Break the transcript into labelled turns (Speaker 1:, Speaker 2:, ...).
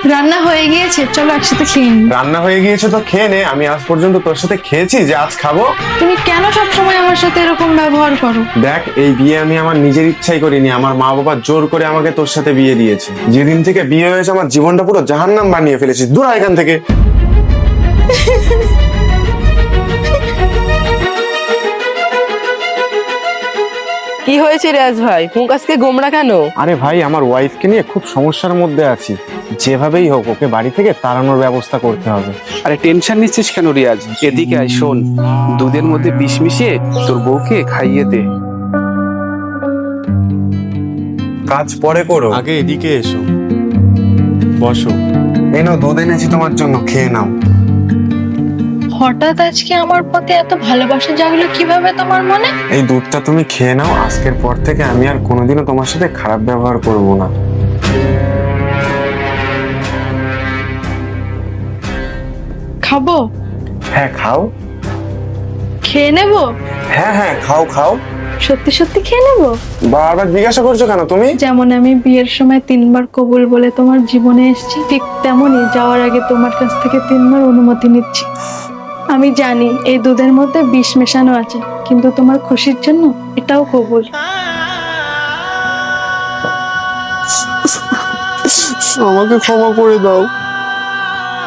Speaker 1: রান্না হয়ে গিয়েছে, চলো একসাথে খেয়ে নিই।
Speaker 2: রান্না হয়ে গিয়েছে তো খেয়ে নে। আমি আজ পর্যন্ত তোর সাথে খেয়েছি যে আজ খাবো?
Speaker 1: তুমি কেন সবসময় আমার সাথে এরকম ব্যবহার করো?
Speaker 2: দেখ, এই বিয়ে আমি আমার নিজের ইচ্ছাই করিনি, আমার মা বাবা জোর করে আমাকে তোর সাথে বিয়ে দিয়েছে। যেদিন থেকে বিয়ে হয়েছে আমার জীবনটা পুরো জাহান্নাম বানিয়ে ফেলেছিস। দূর হ এখান থেকে।
Speaker 3: কি হয়েছে রিয়াজ ভাই, মুখ আজকে গোমড়া কেন?
Speaker 2: আরে ভাই, আমার ওয়াইফকে নিয়ে খুব সমস্যার মধ্যে আছি। যেভাবেই হোক ওকে বাড়ি থেকে তাড়ানোর ব্যবস্থা করতে হবে।
Speaker 4: আরে টেনশন নিচ্ছিস কেন রিয়াজ? এদিকে আয়, শোন, দুধের মধ্যে বিষ মিশিয়ে তোর বউকে খাইয়ে দে।
Speaker 2: কাজ পরে করো, আগে এদিকে এসো, বসো। এই নাও দুধ এনেছি তোমার জন্য, খেয়ে নাও।
Speaker 1: হঠাৎ আজকে আমার প্রতি এত ভালোবাসা জাগলো কিভাবে তোমার মনে?
Speaker 2: এই দুধটা তুমি খেয়ে নাও। আজকের পর থেকে আমি আর কোনোদিনও তোমার সাথে খারাপ ব্যবহার করব না।
Speaker 1: খাবো?
Speaker 2: হ্যাঁ খাও।
Speaker 1: খেয়ে নেবো?
Speaker 2: হ্যাঁ হ্যাঁ, খাও খাও।
Speaker 1: সত্যি সত্যি খেয়ে নেবো?
Speaker 2: বারবার জিজ্ঞাসা করছো কেন তুমি?
Speaker 1: যেমন আমি বিয়ের সময় 3বার কবুল বলে তোমার জীবনে এসেছি, ঠিক তেমনই যাওয়ার আগে তোমার কাছ থেকে 3বার অনুমতি নিচ্ছি। আমি জানি এই দুধের মধ্যে বিষ মেশানো আছে, কিন্তু তোমার খুশির জন্য এটাও কবুল।
Speaker 2: আমাকে ক্ষমা করে দাও।